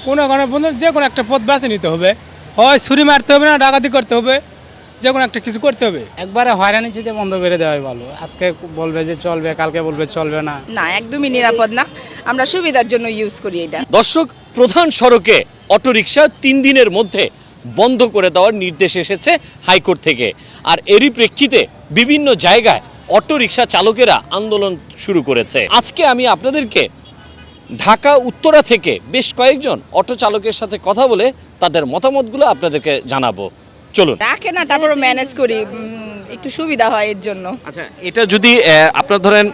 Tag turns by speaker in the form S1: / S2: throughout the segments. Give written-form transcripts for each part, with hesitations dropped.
S1: কোনো কারণে বন্ধু যে কোনো একটা পথ বেছে নিতে হবে, হয় ছুরি মারতে হবে না ডাকাতি করতে হবে, যে কোনো একটা কিছু করতে হবে।
S2: একবারে হয়রানি চিতে বন্ধ করে দেওয়াই ভালো। আজকে বলবে যে চলবে, কালকে বলবে চলবে না।
S3: না, একদমই নিরাপদ না। আমরা সুবিধার জন্য ইউজ করি এটা।
S4: দর্শক, প্রধান সড়কে অটোরিকশা 3 দিনের মধ্যে বন্ধ করে দেওয়ার নির্দেশ এসেছে হাইকোর্ট থেকে। আর এরই প্রেক্ষিতে বিভিন্ন জায়গায় অটোরিকশা চালকেরা আন্দোলন শুরু করেছে। আজকে আমি আপনাদেরকে ঢাকা উত্তরা থেকে বেশ কয়েকজন অটো চালকের সাথে কথা বলে তাদের মতামতগুলো আপনাদেরকে জানাবো। চলুন।
S3: রাখে না, তারপরে ম্যানেজ করি, একটু সুবিধা হয় এর জন্য।
S4: আচ্ছা, এটা যদি আপনার ধরেন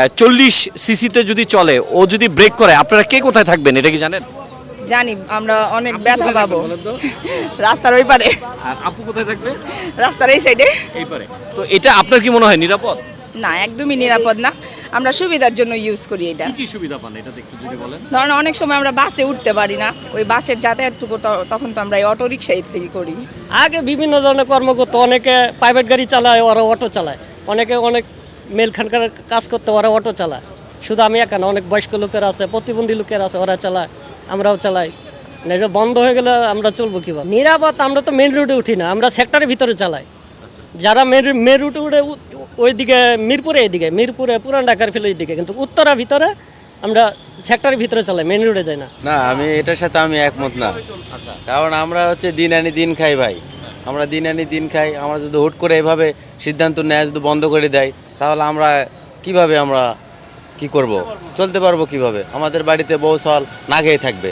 S4: 40 সিসিতে যদি চলে, ও যদি ব্রেক করে, আপনারা কে কোথায় থাকবেন এটা কি জানেন?
S3: জানি, আমরা অনেক ব্যথা
S4: কোথায়
S3: পাবো।
S4: থাকবেন বলেন তো?
S3: রাস্তার ওই পারে।
S4: আর আপু কোথায় থাকবে?
S3: রাস্তার এই সাইডে।
S4: এই পারে। তো এটা আপনার কি মনে হয় নিরাপদ?
S3: না, একদমই নিরাপদ না। আমরা সুবিধার জন্য ইউজ করি এটা।
S4: কি সুবিধা পান এটা একটু যদি বলেন।
S3: ধরেন অনেক সময় আমরা বাসে উঠতে পারি না, ওই বাসের যাতায়াতটুকু তখন তো আমরা এই অটো রিক্সায় থেকে করি।
S5: আগে বিভিন্ন ধরনের কর্ম করতো, অনেকে প্রাইভেট গাড়ি চালায়, ওরা অটো চালায়, অনেকে অনেক মেলখানকার কাজ করতে ওরা অটো চালায়। শুধু আমি একা না, অনেক বয়স্ক লোকের আছে, প্রতিবন্ধী লোকের আছে, ওরা চালায়, আমরাও চালাই। না, এটা বন্ধ হয়ে গেলে আমরা চলবো কীভাবে? নিরাপদ, আমরা তো মেন রুটে উঠি না, আমরা সেক্টরের ভিতরে চালাই। যারা মেন রুটে উঠে ওইদিকে মিরপুরে, এইদিকে মিরপুরে পুরান ঢাকার ফেলে এইদিকে, কিন্তু উত্তরা ভিতরে আমরা সেক্টরের ভিতরে চালাই, মেন রুটে যাই না।
S6: না, আমি এটার সাথে আমি একমত না। কারণ আমরা হচ্ছে দিন আনি দিন খাই ভাই, আমরা দিন আনি দিন খাই। আমরা যদি হুট করে এভাবে সিদ্ধান্ত নেয়, যদি বন্ধ করে দেয়, তাহলে আমরা কিভাবে আমরা কি করব, চলতে পারবো কিভাবে? আমাদের বাড়িতে বউ সাল না খেয়ে থাকবে।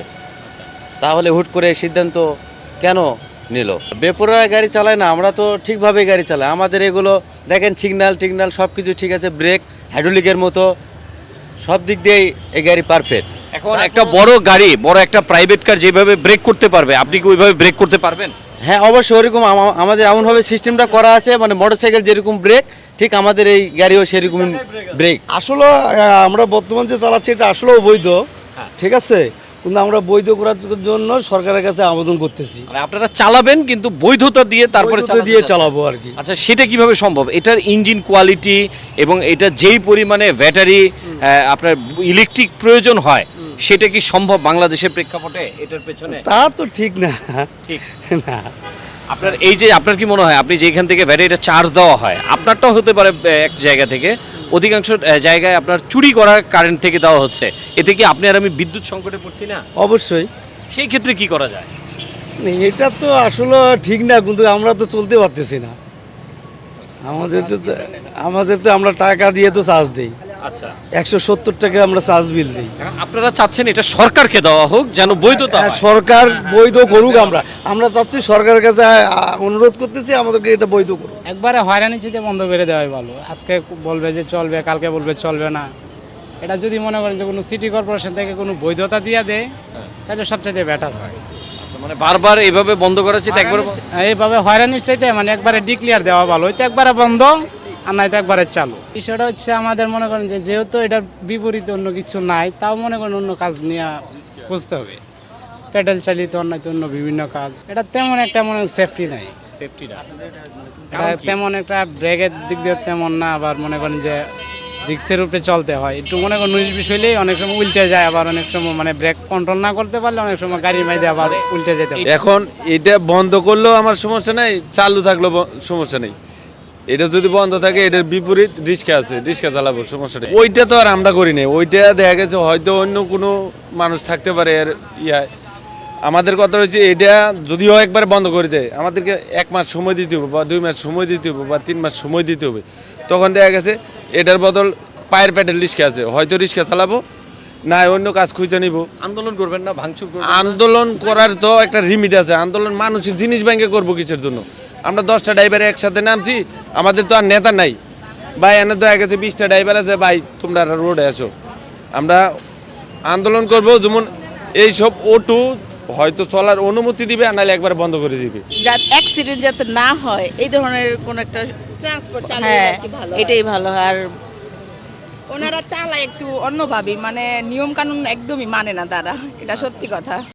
S6: তাহলে হুট করে সিদ্ধান্ত কেন নিল? বেপরোয়া গাড়ি চালায় না, আমরা তো ঠিকভাবে গাড়ি চালাই। আমাদের এগুলো দেখেন, সিগন্যাল সব কিছু ঠিক আছে, ব্রেক হাইড্রোলিকের মতো সব দিক দিয়েই এই গাড়ি পারফেক্ট।
S4: এখন একটা বড় গাড়ি, বড় একটা প্রাইভেট কার যেভাবে ব্রেক করতে পারবে, আপনি কি ওইভাবে ব্রেক করতে পারবেন?
S6: হ্যাঁ, অবশ্যই ওরকম আমাদের এমনভাবে সিস্টেমটা করা আছে, মানে মোটরসাইকেল যেরকম ব্রেক, ঠিক আমাদের এই গাড়িও সেরকম ব্রেক।
S7: আসলে আমরা বর্তমান যে চালাচ্ছি এটা আসলে বৈধ, ঠিক আছে, কিন্তু আমরা বৈধ করার জন্য সরকারের কাছে আবেদন করতেছি।
S4: মানে আপনারা চালাবেন কিন্তু বৈধতা দিয়ে, তারপরে
S7: বৈধতা দিয়ে চালাবো আর কি।
S4: আচ্ছা, সেটা কিভাবে সম্ভব? এটার ইঞ্জিন কোয়ালিটি এবং এটা যেই পরিমাণে ব্যাটারি আপনার ইলেকট্রিক প্রয়োজন হয়, সেটা কি সম্ভব বাংলাদেশের প্রেক্ষাপটে? এটার পেছনে
S7: তা তো ঠিক না।
S4: ঠিক
S7: না,
S4: আপনার এই যে আপনার কি মনে হয়, আপনি যেখান থেকে ব্যাটারিটা চার্জ দেওয়া হয়, আপনারটাও হতে পারে এক জায়গা থেকে, অধিকাংশ জায়গায় আপনার চুরি করা কারেন্ট থেকে দেওয়া হচ্ছে, এতে কি আপনি আর আমি বিদ্যুৎ সংকটে পড়ছি না?
S7: অবশ্যই।
S4: সেই ক্ষেত্রে কি করা যায়?
S7: না, এটা তো আসলে ঠিক না, কিন্তু আমরা তো চলতে পারতেছি না। আমাদের তো আমরা টাকা দিয়ে তো চার্জ দিই।
S4: আচ্ছা,
S7: 170 টাকা আমরা চার্জ বিল দিই।
S4: আপনারা চাচ্ছেন এটা সরকারকে দেওয়া হোক, যেন বৈধতা হয়।
S7: সরকার বৈধ করুক। আমরা চাচ্ছি, সরকারের কাছে অনুরোধ করতেছি আমাদেরকে এটা বৈধ করুক।
S2: একবারে হয়রানি চিতে বন্ধ করে দেওয়াই ভালো। আজকে বলবে যে চলবে, কালকে বলবে চলবে না। এটা যদি মনে করেন যে কোনো সিটি কর্পোরেশন থেকে কোনো বৈধতা দিয়ে দেয়, তাহলে সবচেয়ে বেটার হয়।
S4: মানে বারবার এইভাবে বন্ধ করা চাইতে একবার
S2: এইভাবে হয়রানির চাইতে মানে একবারে ডিক্লিয়ার দেওয়া ভালো, হয়তো একবারে বন্ধ আর নয়তো একবারে চালু। বিষয়টা হচ্ছে আমাদের মনে করেন যে যেহেতু এটার বিপরীতে অন্য কিছু নাই, তাও মনে করেন অন্য কাজ নিয়ে খুঁজতে হবে। পেডেল চালিত নয়তো অন্য বিভিন্ন কাজ, এটা তেমন একটা মনে সেফটি নাই।
S4: সেফটিটা
S2: এটা তেমন একটা ব্রেকের দিক দিয়ে তেমন না, আবার মনে করেন যে রিক্সের উপরে চলতে হয়, একটু মনে করেন 19-20 হইলেই অনেক সময় উল্টে যায়, আবার অনেক সময় মানে ব্রেক কন্ট্রোল না করতে পারলে অনেক সময় গাড়ির মাইদে আবার উল্টে যেতে পারে।
S6: এখন এটা বন্ধ করলেও আমার সমস্যা নেই, চালু থাকলেও সমস্যা নেই। এটা যদি বন্ধ থাকে, এটার বিপরীত রিক্সা আছে, রিক্সা চালাবো, সমস্যা নেই। ওইটা তো আর আমরা করি নাই, ওইটা দেখা গেছে হয়তো অন্য কোনো মানুষ থাকতে পারে। আর আমাদের কথা হচ্ছে, এটা যদিও একবার বন্ধ করে দেয়, আমাদেরকে 1 মাস সময় দিতে হবে, বা 2 মাস সময় দিতে হবে, বা 3 মাস সময় দিতে হবে। তখন দেখা গেছে এটার বদল পায়ের প্যাডেল রিক্সা আছে, হয়তো রিক্সা চালাবো, না অন্য কাজ খুঁজতে নিব।
S4: আন্দোলন করবেন না, ভাঙচুর করবেন?
S6: আন্দোলন করার তো একটা লিমিট আছে। আন্দোলন মানুষের জিনিস ব্যাংকে করবো কিসের জন্য? আমরা 10টা ড্রাইভারে একসাথে নামছি, আমাদের তো আর নেতা নাই ভাই। এনে তো গেছে 20টা ড্রাইভার আছে, ভাই তোমরা রোডে আসো, আমরা আন্দোলন করব। যেমন এইসব অটো হয়তো চলার অনুমতি দিবে, আর নাহলে একবার বন্ধ করে দিবে,
S3: যাতে অ্যাক্সিডেন্ট যাতে না হয়, এই ধরনের কোন একটা ট্রান্সপোর্ট চালালে এটাই ভালো হয়। আর ওনারা চালায় একটু অন্যভাবে, মানে নিয়ম কানুন একদমই মানে না তারা, এটা সত্যি কথা।